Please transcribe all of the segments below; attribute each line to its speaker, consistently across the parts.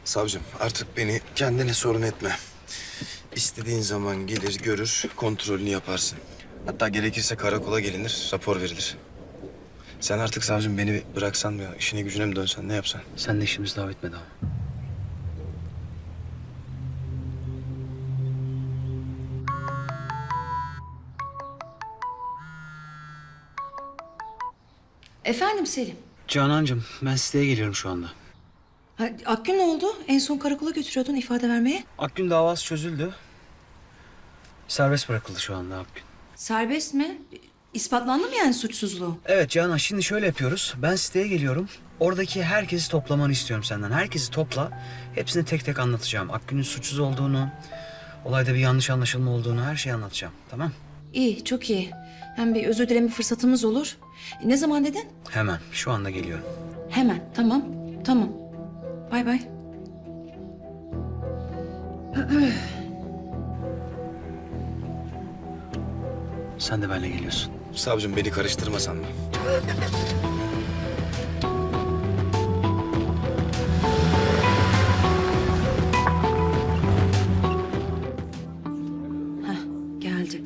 Speaker 1: Savcım artık beni kendine sorun etme. İstediğin zaman gelir görür kontrolünü yaparsın. Hatta gerekirse karakola gelinir rapor verilir. Sen artık savcım beni bıraksan mı işine gücüne mi dönsen ne yapsan?
Speaker 2: Sen de işimiz daha bitmedi ama.
Speaker 3: Efendim Selim.
Speaker 2: Canancığım ben siteye geliyorum şu anda.
Speaker 3: Ha, Akgün ne oldu? En son karakola götürüyordun ifade vermeye.
Speaker 2: Akgün davası çözüldü. Serbest bırakıldı şu anda Akgün.
Speaker 3: Serbest mi? İspatlandı mı yani suçsuzluğu?
Speaker 2: Evet Canan, şimdi şöyle yapıyoruz. Ben siteye geliyorum. Oradaki herkesi toplamanı istiyorum senden. Herkesi topla. Hepsini tek tek anlatacağım. Akgün'ün suçsuz olduğunu, olayda bir yanlış anlaşılma olduğunu, her şeyi anlatacağım. Tamam?
Speaker 3: İyi, çok iyi. Hem bir özür dileme fırsatımız olur. Ne zaman dedin?
Speaker 2: Hemen, şu anda geliyorum.
Speaker 3: Hemen, tamam. Tamam. Bay bay.
Speaker 2: Sen de benimle geliyorsun.
Speaker 1: Savcım beni karıştırmasan mı?
Speaker 3: Geldi.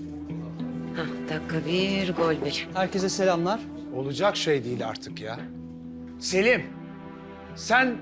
Speaker 4: Dakika bir, gol bir.
Speaker 2: Herkese selamlar.
Speaker 5: Olacak şey değil artık ya. Selim, sen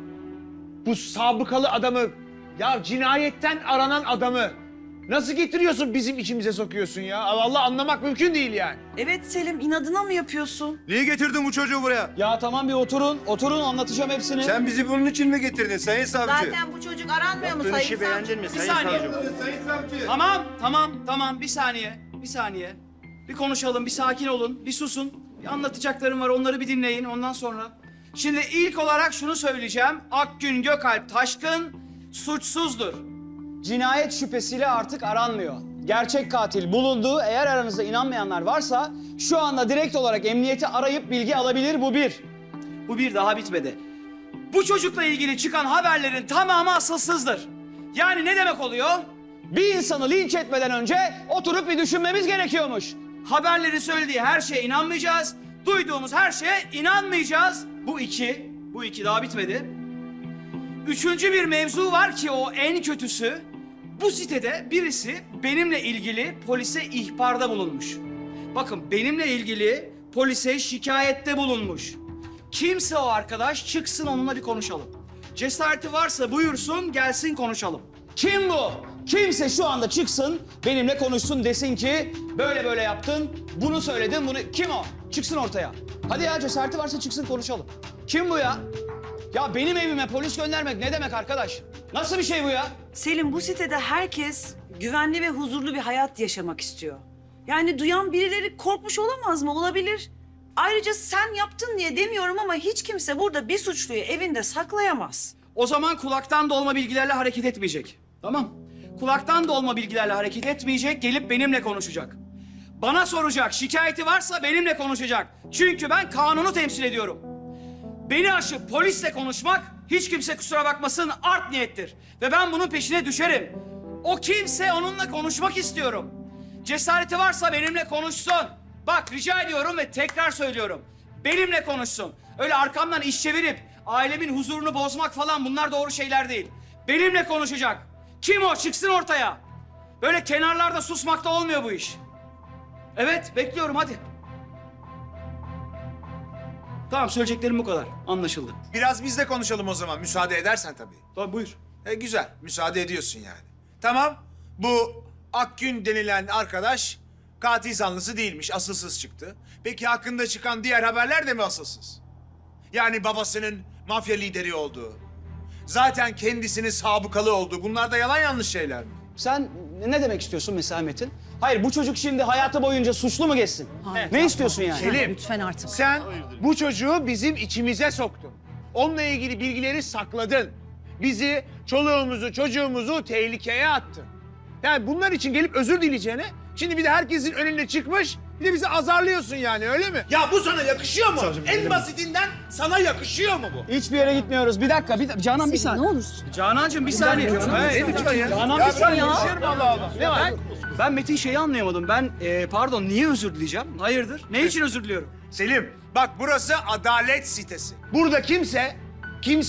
Speaker 5: bu sabıkalı adamı, ya cinayetten aranan adamı nasıl getiriyorsun bizim içimize sokuyorsun ya? Allah anlamak mümkün değil yani.
Speaker 6: Evet Selim, inadına mı yapıyorsun?
Speaker 7: Niye getirdin bu çocuğu buraya?
Speaker 2: Ya tamam bir oturun anlatacağım hepsini.
Speaker 7: Sen bizi bunun için mi getirdin sayın savcı?
Speaker 6: Zaten bu çocuk aranmıyor mu sayın savcı?
Speaker 7: beğendin mi sayın savcı? Sayın savcı.
Speaker 8: Tamam. Bir saniye. Bir konuşalım, bir sakin olun, bir susun. Bir anlatacaklarım var, onları bir dinleyin ondan sonra. Şimdi ilk olarak şunu söyleyeceğim. Akgün Gökalp Taşkın suçsuzdur.
Speaker 9: Cinayet şüphesiyle artık aranmıyor. Gerçek katil bulundu. Eğer aranızda inanmayanlar varsa şu anda direkt olarak emniyeti arayıp bilgi alabilir. Bu bir.
Speaker 8: Bu bir daha bitmedi. Bu çocukla ilgili çıkan haberlerin tamamı asılsızdır. Yani ne demek oluyor?
Speaker 9: Bir insanı linç etmeden önce oturup bir düşünmemiz gerekiyormuş.
Speaker 8: Haberlerin söylediği her şeye inanmayacağız. Duyduğumuz her şeye inanmayacağız. Bu iki daha bitmedi. Üçüncü bir mevzu var ki o en kötüsü. Bu sitede birisi benimle ilgili polise ihbarda bulunmuş. Bakın benimle ilgili polise şikayette bulunmuş. Kimse o arkadaş çıksın onunla bir konuşalım. Cesareti varsa buyursun gelsin konuşalım.
Speaker 9: Kim bu? Kimse şu anda çıksın, benimle konuşsun, desin ki böyle böyle yaptın, bunu söyledin, bunu... Kim o? Çıksın ortaya. Hadi ya, cesareti varsa çıksın konuşalım. Kim bu ya? Ya benim evime polis göndermek ne demek arkadaş? Nasıl bir şey bu ya?
Speaker 6: Selim, bu sitede herkes güvenli ve huzurlu bir hayat yaşamak istiyor. Yani duyan birileri korkmuş olamaz mı? Olabilir. Ayrıca sen yaptın diye demiyorum ama hiç kimse burada bir suçluyu evinde saklayamaz.
Speaker 8: O zaman kulaktan dolma bilgilerle hareket etmeyecek. Tamam. Kulaktan dolma bilgilerle hareket etmeyecek, gelip benimle konuşacak. Bana soracak, şikayeti varsa benimle konuşacak. Çünkü ben kanunu temsil ediyorum. Beni aşıp polisle konuşmak, hiç kimse kusura bakmasın, art niyettir. Ve ben bunun peşine düşerim. O kimse onunla konuşmak istiyorum. Cesareti varsa benimle konuşsun. Bak rica ediyorum ve tekrar söylüyorum. Benimle konuşsun. Öyle arkamdan iş çevirip ailemin huzurunu bozmak falan bunlar doğru şeyler değil. Benimle konuşacak. Kim o? Çıksın ortaya. Böyle kenarlarda susmakta olmuyor bu iş. Evet, bekliyorum hadi. Tamam, söyleyeceklerim bu kadar. Anlaşıldı.
Speaker 5: Biraz biz de konuşalım o zaman, müsaade edersen tabii.
Speaker 8: Tabii buyur.
Speaker 5: Güzel, müsaade ediyorsun yani. Tamam, bu Akgün denilen arkadaş katil zanlısı değilmiş, asılsız çıktı. Peki hakkında çıkan diğer haberler de mi asılsız? Yani babasının mafya lideri olduğu, zaten kendisinin sabıkalı olduğu, bunlar da yalan yanlış şeyler mi?
Speaker 9: Sen ne demek istiyorsun mesela Metin? Hayır, bu çocuk şimdi hayatı boyunca suçlu mu geçsin? Ne istiyorsun yani?
Speaker 5: Selim,
Speaker 3: Lütfen artık.
Speaker 5: sen bu çocuğu bizim içimize soktun. Onunla ilgili bilgileri sakladın. Bizi, çoluğumuzu, çocuğumuzu tehlikeye attın. Yani bunlar için gelip özür dileyeceğine, şimdi bir de herkesin önüne çıkmış, bir de bizi azarlıyorsun yani, öyle mi? Ya bu sana yakışıyor mu? En basitinden sana yakışıyor mu bu?
Speaker 9: Hiçbir yere gitmiyoruz. Bir dakika, Canan bir saniye.
Speaker 3: Ne olursun.
Speaker 8: Canancığım bir saniye.
Speaker 5: Ne lütfen ya?
Speaker 9: Canan
Speaker 5: Ya
Speaker 9: bir saniye.
Speaker 5: bırak konuşuyorum Allah Allah. Ne var?
Speaker 8: Ben Metin şeyi anlayamadım. Ben pardon niye özür dileyeceğim? Hayırdır? Ne için özür diliyorum?
Speaker 5: Selim, bak burası adalet sitesi. Burada kimse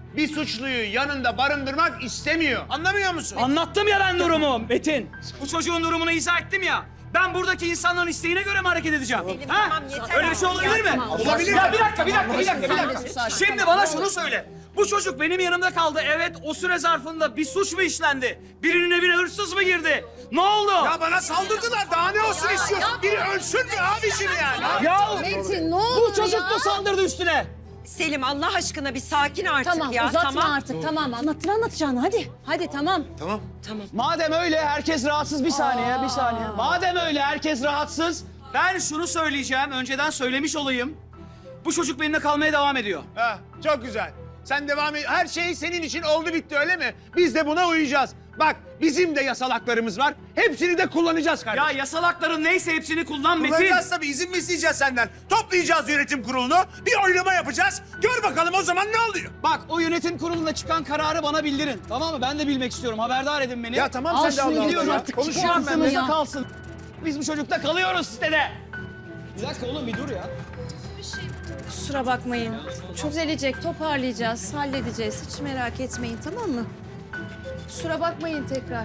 Speaker 5: bir suçluyu yanında barındırmak istemiyor. Anlamıyor musun?
Speaker 8: Anlattım ya ben durumu Metin. Bu çocuğun durumunu izah ettim ya. Ben buradaki insanların isteğine göre mi hareket edeceğim? Ha? Öyle bir şey olabilir mi?
Speaker 5: Olabilir.
Speaker 8: Ya bir dakika. Şimdi bana şunu söyle. Bu çocuk benim yanımda kaldı. Evet, o süre zarfında bir suç mu işlendi? Birinin evine hırsız mı girdi? Ne oldu?
Speaker 5: Ya bana saldırdılar. Daha ne olsun istiyorsun? Biri ölsün mü abiciğim yani?
Speaker 8: Ya
Speaker 10: Metin ne olur
Speaker 8: bu çocuk mu saldırdı üstüne?
Speaker 10: Selim Allah aşkına bir sakin artık
Speaker 11: Tamam
Speaker 10: ya.
Speaker 11: uzatma artık tamam anlatacağını hadi. Hadi tamam.
Speaker 9: Madem öyle herkes rahatsız bir saniye. Madem öyle herkes rahatsız.
Speaker 8: Ben şunu söyleyeceğim, önceden söylemiş olayım. Bu çocuk benimle kalmaya devam ediyor.
Speaker 5: Ha, çok güzel. Sen devam et. Her şey senin için oldu bitti öyle mi? Biz de buna uyacağız. Bak bizim de yasal haklarımız var. Hepsini de kullanacağız kardeşim.
Speaker 8: Ya yasal hakların neyse hepsini kullan Metin.
Speaker 5: Kullanacağız tabii. İzin mi isteyeceğiz senden? Toplayacağız yönetim kurulunu. Bir oylama yapacağız. Gör bakalım o zaman ne oluyor?
Speaker 9: Bak o yönetim kurulunda çıkan kararı bana bildirin. Tamam mı? Ben de bilmek istiyorum. Haberdar edin beni.
Speaker 5: Ya tamam
Speaker 11: Al
Speaker 5: sen de
Speaker 11: şunu
Speaker 5: Allah
Speaker 11: gidiyoruz
Speaker 5: Allah.
Speaker 11: artık,
Speaker 5: Konuşuyorum ben.
Speaker 11: çıkarsın
Speaker 5: de.
Speaker 11: ya.
Speaker 9: Kalsın. Biz bu çocukla kalıyoruz sitede. Bir dakika oğlum bir dur ya.
Speaker 11: Kusura bakmayın. Düzelecek toparlayacağız halledeceğiz hiç merak etmeyin tamam mı? Kusura bakmayın tekrar.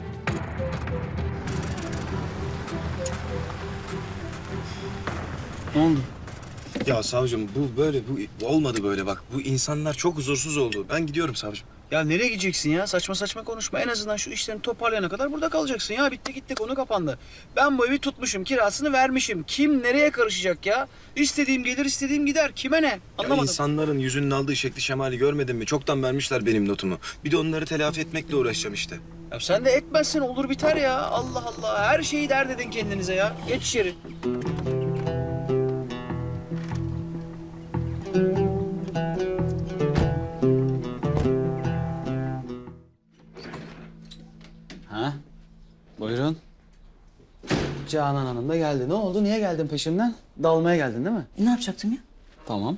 Speaker 2: Ne oldu?
Speaker 1: Ya savcım bu böyle bu olmadı böyle bak. Bu insanlar çok huzursuz oldu. Ben gidiyorum savcım.
Speaker 2: Ya nereye gideceksin ya? Saçma saçma konuşma. En azından şu işlerini toparlayana kadar burada kalacaksın ya. Bitti gitti konu kapandı. Ben bu evi tutmuşum, kirasını vermişim. Kim nereye karışacak ya? İstediğim gelir, istediğim gider. Kime ne?
Speaker 1: Ya
Speaker 2: Anlamadım.
Speaker 1: insanların yüzünün aldığı şekli şemali görmedin mi? Çoktan vermişler benim notumu. Bir de onları telafi etmekle uğraşacağım işte.
Speaker 2: Ya sen de etmezsin olur biter ya. Allah Allah. Her şeyi dert edin kendinize ya. Geç içeri.
Speaker 9: Ha? Buyurun. Canan Hanım da geldi. Ne oldu? Niye geldin peşimden? Dalmaya geldin değil mi?
Speaker 3: Ne yapacaktım ya?
Speaker 9: Tamam.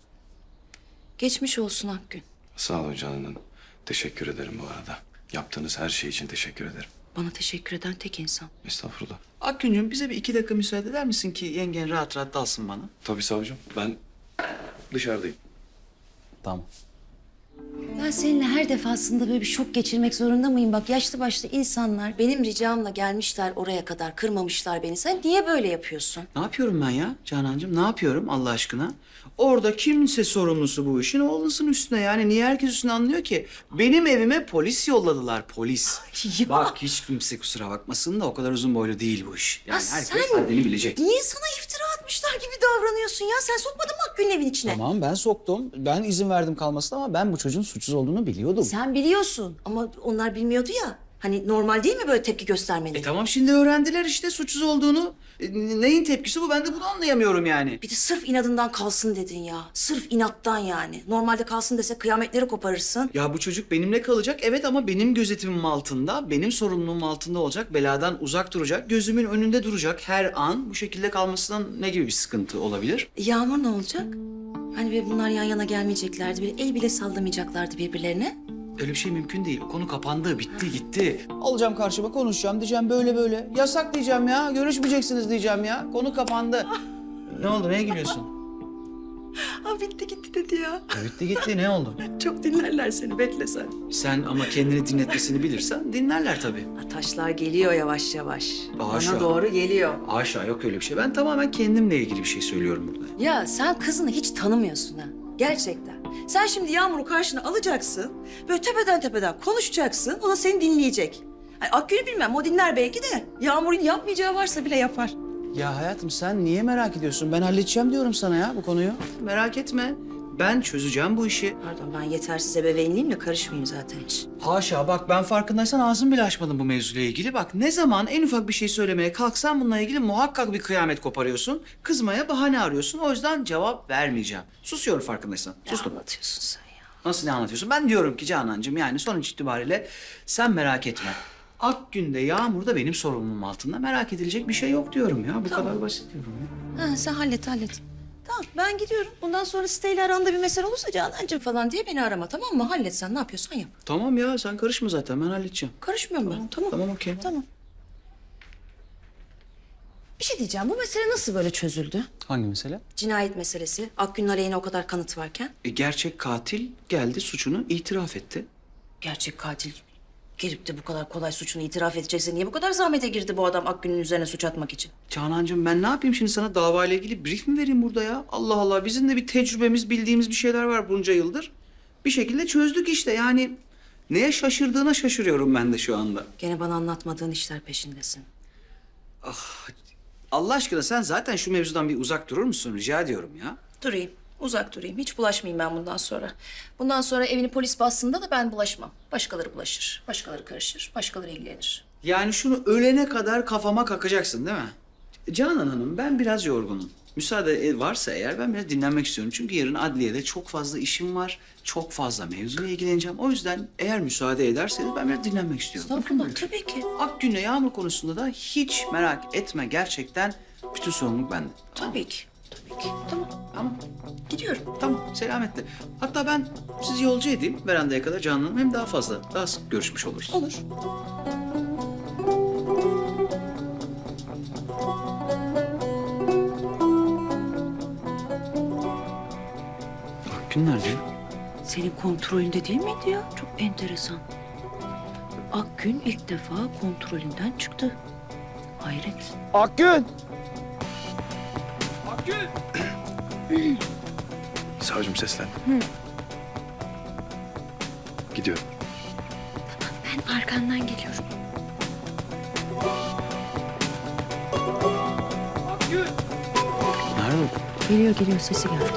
Speaker 3: Geçmiş olsun Akgün.
Speaker 1: Sağ olun Canan Hanım. Teşekkür ederim bu arada. Yaptığınız her şey için teşekkür ederim.
Speaker 3: Bana teşekkür eden tek insan.
Speaker 1: Estağfurullah.
Speaker 2: Akgüncüğüm bize bir 2 dakika müsaade eder misin ki yengen rahat rahat dalsın bana?
Speaker 1: Tabii savcım. Ben dışarıdayım.
Speaker 9: Tamam.
Speaker 3: Ben seninle her defasında böyle bir şok geçirmek zorunda mıyım? Bak yaşlı başlı insanlar benim ricamla gelmişler oraya kadar, kırmamışlar beni. Sen niye böyle yapıyorsun?
Speaker 2: Ne yapıyorum ben ya Canancığım? Ne yapıyorum Allah aşkına? Orada kimse sorumlusu bu işin o olunsun üstüne. Yani niye herkes üstüne anlıyor ki? Benim evime polis yolladılar, polis.
Speaker 3: Ya.
Speaker 2: Bak hiç kimse kusura bakmasın da o kadar uzun boylu değil bu iş. Yani
Speaker 3: Ya
Speaker 2: herkes
Speaker 3: sen-
Speaker 2: haddini bilecek.
Speaker 3: Niye sana iftira atmışlar gibi davranıyorsun ya? Sen sokmadın mı Akgün'ün evin içine?
Speaker 9: Tamam ben soktum. Ben izin verdim kalmasına ama ben bu çocuğun suçsuz olduğunu biliyordum.
Speaker 3: Sen biliyorsun ama onlar bilmiyordu ya. Hani normal değil mi böyle tepki göstermeli?
Speaker 2: Tamam şimdi öğrendiler işte suçsuz olduğunu. Neyin tepkisi bu? Ben de bunu anlayamıyorum yani.
Speaker 3: Bir de sırf inadından kalsın dedin ya. Sırf inattan yani. Normalde kalsın dese kıyametleri koparırsın.
Speaker 2: Ya bu çocuk benimle kalacak evet ama benim gözetimim altında, benim sorumluluğum altında olacak. Beladan uzak duracak, gözümün önünde duracak her an. Bu şekilde kalmasından ne gibi bir sıkıntı olabilir?
Speaker 3: Yağmur ne olacak? Hani böyle bunlar yan yana gelmeyeceklerdi. Bir el bile sallamayacaklardı birbirlerine.
Speaker 2: Öyle bir şey mümkün değil. O konu kapandı, bitti, gitti.
Speaker 9: Alacağım karşıma konuşacağım diyeceğim böyle böyle. Yasak diyeceğim ya. Görüşmeyeceksiniz diyeceğim ya. Konu kapandı.
Speaker 2: Ne oldu? Neye gülüyorsun?
Speaker 3: Ha bitti gitti dedi ya.
Speaker 2: Ya bitti gitti. Ne oldu?
Speaker 3: Çok dinlerler seni bekle sen.
Speaker 2: Sen ama kendini dinletmesini bilirsen dinlerler tabii.
Speaker 3: Ha, taşlar geliyor yavaş yavaş.
Speaker 2: Haşa.
Speaker 3: Bana doğru geliyor.
Speaker 2: Haşa yok öyle bir şey. Ben tamamen kendimle ilgili bir şey söylüyorum burada.
Speaker 3: Ya sen kızını hiç tanımıyorsun ha. Gerçekten. Sen şimdi Yağmur'u karşına alacaksın. Böyle tepeden konuşacaksın. O da seni dinleyecek. Ay, Akgül'ü bilmem o dinler belki de. Yağmur'un yapmayacağı varsa bile yapar.
Speaker 9: Ya hayatım sen niye merak ediyorsun? Ben halledeceğim diyorum sana ya bu konuyu.
Speaker 2: Merak etme. Ben çözeceğim bu işi.
Speaker 3: Pardon ben yetersiz ebeveynliğimle karışmayayım zaten hiç.
Speaker 2: Haşa bak ben farkındaysan ağzımı bile açmadım bu mevzuyla ilgili. Bak ne zaman en ufak bir şey söylemeye kalksan bununla ilgili muhakkak bir kıyamet koparıyorsun. Kızmaya bahane arıyorsun. O yüzden cevap vermeyeceğim. Susuyorum farkındaysan. Sustum.
Speaker 3: Ne anlatıyorsun sen ya?
Speaker 2: Nasıl ne anlatıyorsun? Ben diyorum ki Canancığım yani sonuç itibariyle sen merak etme. Akgün'de Yağmur da benim sorumluluğum altında. Merak edilecek bir şey yok diyorum ya. Bu kadar basit diyorum ya.
Speaker 3: Ha, sen hallet. Tamam ben gidiyorum. Bundan sonra siteyle aranda bir mesele olursa Canancığım falan diye beni arama tamam mı? Hallet sen ne yapıyorsan yap.
Speaker 2: Tamam ya sen karışma zaten ben halledeceğim.
Speaker 3: Karışmıyorum ben. Tamam.
Speaker 2: Tamam okey.
Speaker 3: Tamam. Bir şey diyeceğim. Bu mesele nasıl böyle çözüldü?
Speaker 9: Hangi mesele?
Speaker 3: Cinayet meselesi. Akgün'ün aleyhine o kadar kanıt varken.
Speaker 9: Gerçek katil geldi, suçunu itiraf etti.
Speaker 3: Gerçek katil gelip de bu kadar kolay suçunu itiraf edecekse niye bu kadar zahmete girdi bu adam Akgün'ün üzerine suç atmak için?
Speaker 9: Canancığım ben ne yapayım şimdi, sana davayla ilgili brief mi vereyim burada ya? Allah Allah, bizim de bir tecrübemiz, bildiğimiz bir şeyler var bunca yıldır. Bir şekilde çözdük işte yani. Neye şaşırdığına şaşırıyorum ben de şu anda.
Speaker 3: Gene bana anlatmadığın işler peşindesin.
Speaker 9: Allah aşkına sen zaten şu mevzudan bir uzak durur musun? Rica ediyorum ya.
Speaker 3: Durayım, uzak durayım. Hiç bulaşmayayım ben bundan sonra. Bundan sonra evini polis bastığında da ben bulaşmam. Başkaları bulaşır, başkaları karışır, başkaları ilgilenir.
Speaker 9: Yani şunu ölene kadar kafama kakacaksın değil mi? Canan Hanım, ben biraz yorgunum. Müsaade varsa eğer ben biraz dinlenmek istiyorum. Çünkü yarın adliyede çok fazla işim var. Çok fazla mevzuyla ilgileneceğim. O yüzden eğer müsaade ederseniz ben biraz dinlenmek istiyorum.
Speaker 3: Estağfurullah, tabii ki.
Speaker 9: Akgün'le Yağmur konusunda da hiç merak etme. Gerçekten bütün sorumluluk bende.
Speaker 3: Tabii ki, tabii ki. Tamam,
Speaker 9: Tamam.
Speaker 3: gidiyorum.
Speaker 9: Tamam, selametle. Hatta ben sizi yolcu edeyim verandaya kadar Canan Hanım. Hem daha fazla, daha sık görüşmüş oluruz.
Speaker 3: Olur.
Speaker 9: Akgün nerede?
Speaker 3: Senin kontrolünde değil miydi ya? Çok enteresan. Akgün ilk defa kontrolünden çıktı. Hayret.
Speaker 5: Akgün!
Speaker 1: Savcım seslen. Gidiyorum.
Speaker 11: Ben arkandan geliyorum.
Speaker 9: Nerede?
Speaker 3: Geliyor sesi geldi.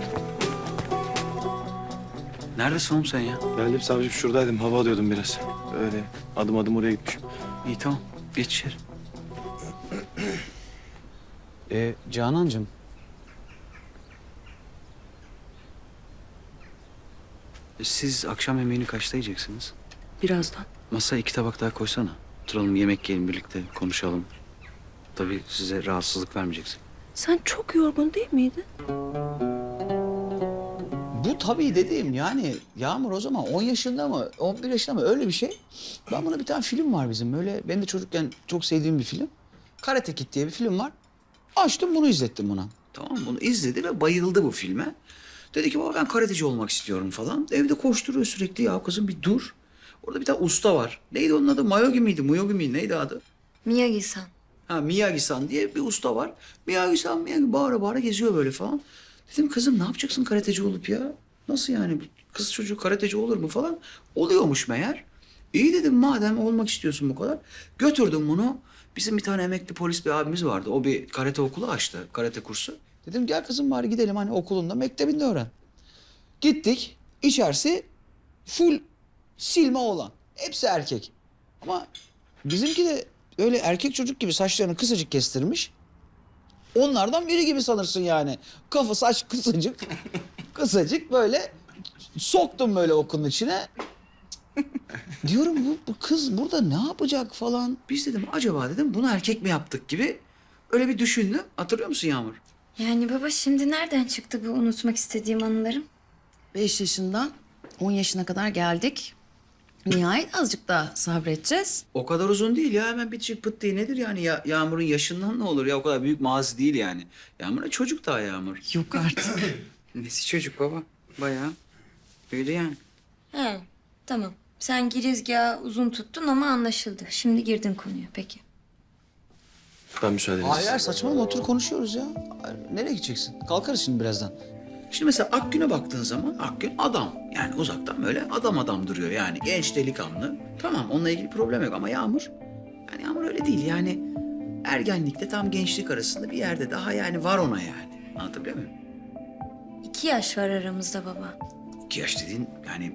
Speaker 9: Neredesin oğlum sen ya?
Speaker 1: Geldim savcım, şuradaydım. Hava alıyordum biraz. Öyle adım adım oraya gitmişim.
Speaker 9: İyi tamam. Geç içeri. Canancığım. Siz akşam yemeğini kaçta yiyeceksiniz?
Speaker 3: Birazdan.
Speaker 9: Masaya 2 tabak daha koysana. Oturalım, yemek yiyelim birlikte, konuşalım. Tabii size rahatsızlık vermeyeceksin.
Speaker 3: Sen çok yorgun değil miydin?
Speaker 9: Bu tabii dediğim yani Yağmur o zaman 10 yaşında mı 11 yaşında mı öyle bir şey. Ben buna bir tane film var bizim böyle, benim de çocukken çok sevdiğim bir film. Karate Kid diye bir film var. Açtım bunu izlettim buna. Tamam mı? Bunu izledi ve bayıldı bu filme. Dedi ki baba ben karateci olmak istiyorum falan. Evde koşturuyor sürekli, ya kızım bir dur. Orada bir tane usta var. Neydi onun adı? Mayogi miydi? Muyogi miydi? Neydi adı?
Speaker 11: Miyagi-san.
Speaker 9: Ha, Miyagi-san diye bir usta var. Miyagi-san, Miyagi bağıra bağıra geziyor böyle falan. Dedim kızım ne yapacaksın karateci olup ya? Nasıl yani? Kız çocuğu karateci olur mu falan? Oluyormuş meğer. İyi dedim, madem olmak istiyorsun bu kadar. Götürdüm bunu. Bizim bir tane emekli polis bir abimiz vardı. O bir karate okulu açtı, karate kursu. Dedim gel kızım bari gidelim hani okulunda, mektebinde öğren. Gittik. İçerisi full silme oğlan. Hepsi erkek. Ama bizimki de öyle erkek çocuk gibi saçlarını kısacık kestirmiş. Onlardan biri gibi sanırsın yani. Kafa saç kısacık. Kısacık böyle soktum böyle okulun içine. Diyorum bu kız burada ne yapacak falan. Biz dedim acaba dedim bunu erkek mi yaptık gibi öyle bir düşündüm. Hatırlıyor musun Yağmur?
Speaker 11: Yani baba şimdi nereden çıktı bu unutmak istediğim anılarım?
Speaker 3: 5 yaşından 10 yaşına kadar geldik. Nihayet azıcık daha sabredeceğiz.
Speaker 9: O kadar uzun değil ya, hemen bitecek pıt diye nedir yani ya, Yağmur'un yaşından ne olur ya, o kadar büyük mazi değil yani. Yağmur'a çocuk daha Yağmur.
Speaker 3: Yok artık.
Speaker 9: Nesi çocuk baba? Bayağı öyle yani.
Speaker 11: He, tamam. Sen girizgahı uzun tuttun ama anlaşıldı. Şimdi girdin konuya peki.
Speaker 1: Ben müsaadenizle.
Speaker 9: Hayır saçmalama, otur konuşuyoruz ya. Nereye gideceksin? Kalkarız şimdi birazdan. Şimdi mesela Akgün'e baktığın zaman Akgün adam. Yani uzaktan böyle adam duruyor yani genç delikanlı. Tamam onunla ilgili problem yok ama Yağmur. Yani Yağmur öyle değil yani. Ergenlikte tam gençlik arasında bir yerde daha yani var ona yani. Anlatabiliyor muyum?
Speaker 11: 2 yaş var aramızda baba.
Speaker 9: 2 yaş dediğin yani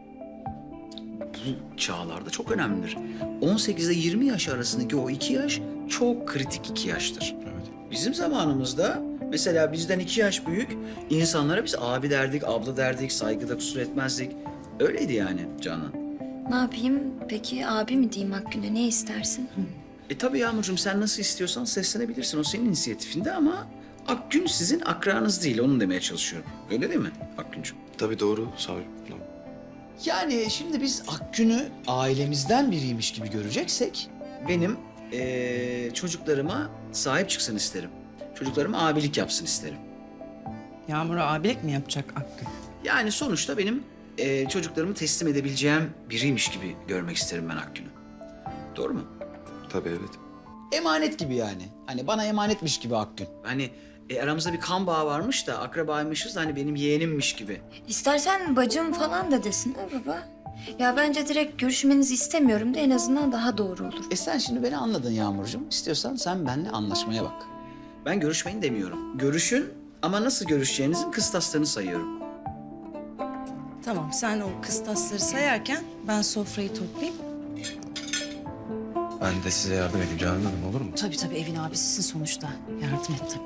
Speaker 9: bu çağlarda çok önemlidir. 18 ile 20 yaş arasındaki o 2 yaş çok kritik 2 yaştır.
Speaker 1: Evet.
Speaker 9: Bizim zamanımızda mesela bizden 2 yaş büyük insanlara biz abi derdik, abla derdik, saygıda kusur etmezdik. Öyleydi yani Canan.
Speaker 11: Ne yapayım peki abi mi diyeyim Akgün'e ne istersin?
Speaker 9: Tabii Yağmurcuğum sen nasıl istiyorsan seslenebilirsin. O senin inisiyatifinde ama Akgün sizin akranız değil. Onu demeye çalışıyorum. Öyle değil mi Akgüncüğüm?
Speaker 1: Tabii doğru savcım. Doğru.
Speaker 9: Yani şimdi biz Akgün'ü ailemizden biriymiş gibi göreceksek benim
Speaker 2: çocuklarıma sahip çıksın isterim. Çocuklarıma abilik yapsın isterim.
Speaker 3: Yağmur'a abilik mi yapacak Akgün?
Speaker 2: Yani sonuçta benim çocuklarımı teslim edebileceğim biriymiş gibi görmek isterim ben Akgün'ü. Doğru mu?
Speaker 1: Tabii evet.
Speaker 9: Emanet gibi yani. Hani bana emanetmiş gibi Akgün.
Speaker 2: Hani aramızda bir kan bağı varmış da akrabaymışız da hani benim yeğenimmiş gibi.
Speaker 11: İstersen bacım falan da desin ha baba. Ya bence direkt görüşmenizi istemiyorum da en azından daha doğru olur.
Speaker 9: Sen şimdi beni anladın Yağmurcuğum. İstiyorsan sen benimle anlaşmaya bak.
Speaker 2: Ben görüşmeyin demiyorum. Görüşün ama nasıl görüşeceğinizin kıstaslarını sayıyorum.
Speaker 3: Tamam, sen o kıstasları sayarken ben sofrayı toplayayım.
Speaker 1: Ben de size yardım edeyim Canan Hanım, olur mu?
Speaker 3: Tabii tabii, evin abisisin sonuçta. Yardım et tabii.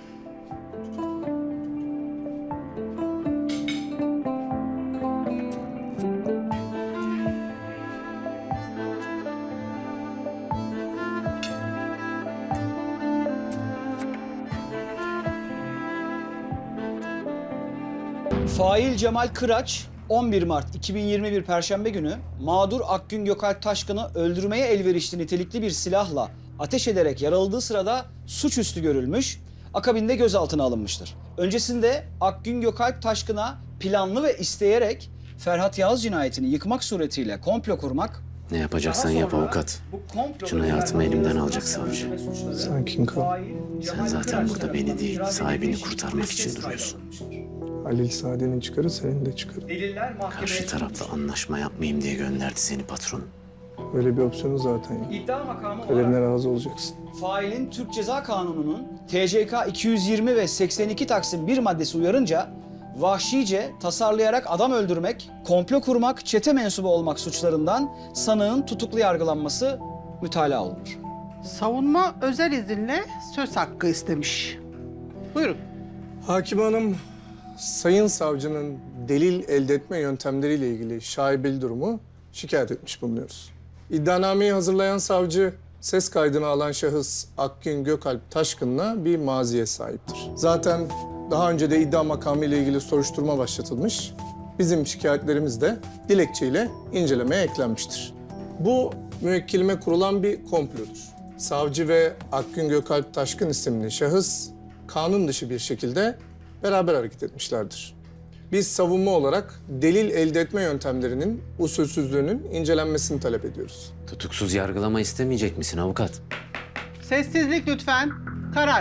Speaker 9: Fail Cemal Kıraç 11 Mart 2021 Perşembe günü mağdur Akgün Gökalp Taşkın'ı öldürmeye elverişli nitelikli bir silahla ateş ederek yaraladığı sırada suçüstü görülmüş, akabinde gözaltına alınmıştır. Öncesinde Akgün Gökalp Taşkın'a planlı ve isteyerek Ferhat Yağız cinayetini yıkmak suretiyle komplo kurmak...
Speaker 12: Ne yapacaksan yap avukat. Şunu hayatımı elimden alacak savcı.
Speaker 7: Sakin kal.
Speaker 12: Sen zaten burada beni değil, sahibini kurtarmak için duruyorsun.
Speaker 7: Halil Saadet'in çıkarı senin de çıkarı.
Speaker 12: Karşı tarafla anlaşma yapmayayım diye gönderdi seni patron.
Speaker 7: Öyle bir opsiyonu zaten yok.
Speaker 9: İddia makamı
Speaker 7: Kaderine
Speaker 9: olarak
Speaker 7: razı olacaksın.
Speaker 9: failin Türk Ceza Kanunu'nun TCK 220 ve 82 Taksim 1 maddesi uyarınca vahşice tasarlayarak adam öldürmek, komplo kurmak, çete mensubu olmak suçlarından sanığın tutuklu yargılanması mütalaa olunur.
Speaker 13: Savunma özel izinle söz hakkı istemiş. Buyurun.
Speaker 7: Hakim Hanım, Sayın Savcının delil elde etme yöntemleriyle ilgili şaibeli durumu şikayet etmiş bulunuyoruz. İddianameyi hazırlayan savcı, ses kaydını alan şahıs Akgün Gökalp Taşkın'la bir maziye sahiptir. Zaten daha önce de iddia makamı ile ilgili soruşturma başlatılmış. Bizim şikayetlerimiz de dilekçeyle incelemeye eklenmiştir. Bu müvekkilime kurulan bir komplodur. Savcı ve Akgün Gökalp Taşkın isimli şahıs kanun dışı bir şekilde beraber hareket etmişlerdir. Biz savunma olarak delil elde etme yöntemlerinin usulsüzlüğünün incelenmesini talep ediyoruz.
Speaker 12: Tutuksuz yargılama istemeyecek misin avukat?
Speaker 13: Sessizlik lütfen. Karar.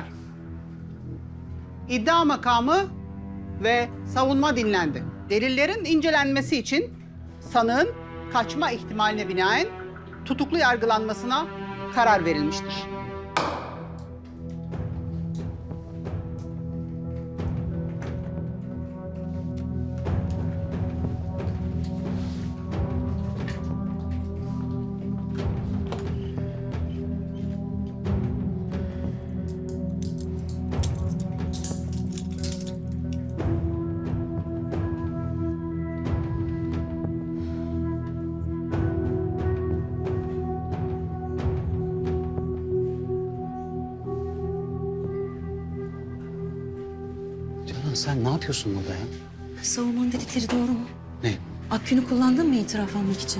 Speaker 13: İddia makamı ve savunma dinlendi. Delillerin incelenmesi için sanığın kaçma ihtimaline binaen tutuklu yargılanmasına karar verilmiştir.
Speaker 2: Canan sen ne yapıyorsun burada ya?
Speaker 3: Savunmanın dedikleri doğru mu?
Speaker 2: Ne?
Speaker 3: Akgün'ü kullandın mı itiraf almak için?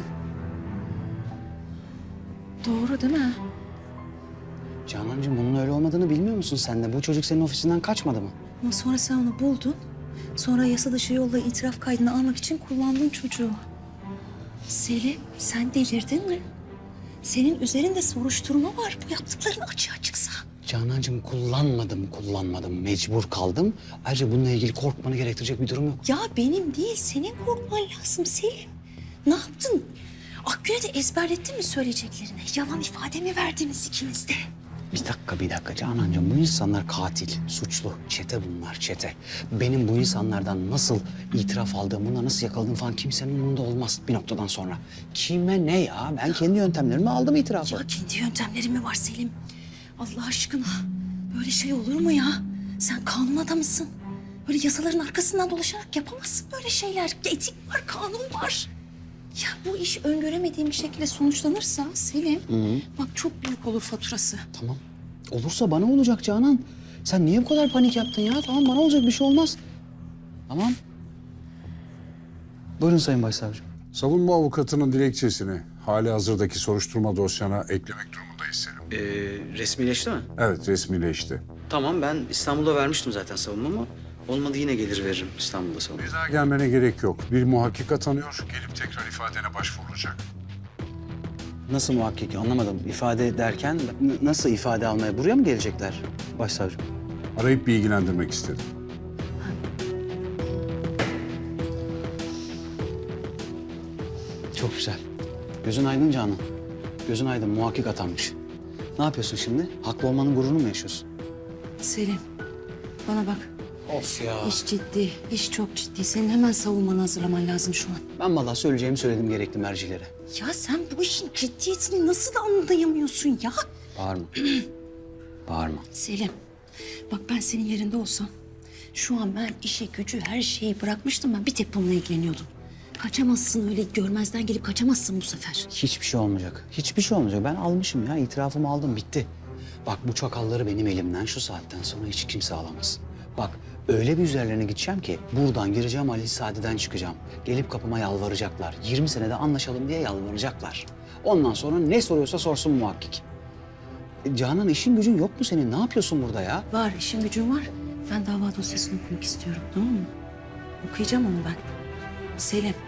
Speaker 3: Doğru değil mi?
Speaker 2: Canancığım bunun öyle olmadığını bilmiyor musun sen de? Bu çocuk senin ofisinden kaçmadı mı?
Speaker 3: Ama sonra sen onu buldun. Sonra yasa dışı yolla itiraf kaydını almak için kullandın çocuğu. Selim, sen delirdin mi? Senin üzerinde soruşturma var. Bu yaptıkların açığa çıksa.
Speaker 2: Canancığım kullanmadım. Mecbur kaldım. Ayrıca bununla ilgili korkmanı gerektirecek bir durum yok.
Speaker 3: Ya benim değil, senin korkman lazım Selim. Ne yaptın? Akgün'e de ezberlettin mi söyleyeceklerini? Yalan ifade mi verdiniz ikiniz de?
Speaker 2: Bir dakika Canancığım. Bu insanlar katil, suçlu. Çete bunlar, çete. Benim bu insanlardan nasıl itiraf aldığım, bunları nasıl yakaladığım falan kimsenin umurunda olmaz bir noktadan sonra. Kime ne ya? Ben kendi yöntemlerimi aldım itirafı.
Speaker 3: Ya kendi yöntemlerin mi var Selim? Allah aşkına böyle şey olur mu ya? Sen kanun adamısın. Böyle yasaların arkasından dolaşarak yapamazsın böyle şeyler. Etik var, kanun var. Ya bu iş öngöremediğim bir şekilde sonuçlanırsa Selim, bak çok büyük olur faturası.
Speaker 2: Tamam. Olursa bana olacak Canan. Sen niye bu kadar panik yaptın ya? Tamam bana olacak bir şey olmaz. Tamam. Buyurun Sayın Başsavcım.
Speaker 14: Savunma avukatının dilekçesini hali hazırdaki soruşturma dosyana eklemek durumundayım. durumdayız Selim.
Speaker 2: Resmileşti mi?
Speaker 14: Evet, resmileşti.
Speaker 2: Tamam, ben İstanbul'da vermiştim zaten savunmamı. Olmadı yine gelir veririm İstanbul'da savunma.
Speaker 14: Bir daha gelmene gerek yok. Bir muhakkik atanıyor, gelip tekrar ifadene başvurulacak.
Speaker 9: Nasıl muhakkik anlamadım. İfade derken nasıl ifade almaya buraya mı gelecekler başsavcım?
Speaker 14: Arayıp bilgilendirmek istedim.
Speaker 9: Çok güzel. Gözün aydın Canan. Gözün aydın, muhakkik atanmış. Ne yapıyorsun şimdi? Haklı olmanın gururunu mu yaşıyorsun?
Speaker 3: Selim, bana bak.
Speaker 9: Of ya.
Speaker 3: İş ciddi, iş çok ciddi. Senin hemen savunmanı hazırlaman lazım şu an.
Speaker 9: Ben vallahi söyleyeceğimi söyledim gerekli mercilere.
Speaker 3: Ya sen bu işin ciddiyetini nasıl anlayamıyorsun ya?
Speaker 9: Bağırma. Bağırma.
Speaker 3: Selim, bak ben senin yerinde olsam... ...şu an ben işi, gücü, her şeyi bırakmıştım. Ben bir tek bununla ilgileniyordum. Kaçamazsın öyle, görmezden gelip kaçamazsın bu sefer.
Speaker 9: Hiçbir şey olmayacak. Hiçbir şey olmayacak. Ben almışım ya. İtirafımı aldım. Bitti. Bak bu çakalları benim elimden şu saatten sonra hiç kimse alamaz. Bak öyle bir üzerlerine gideceğim ki buradan gireceğim Ali Sadi'den çıkacağım. Gelip kapıma yalvaracaklar. 20 senede anlaşalım diye yalvaracaklar. Ondan sonra ne soruyorsa sorsun muhakkik. Canan işin gücün yok mu senin? Ne yapıyorsun burada ya?
Speaker 3: Var, işim gücüm var. Ben dava dosyasını okumak istiyorum, tamam mı? Okuyacağım onu ben. Selim,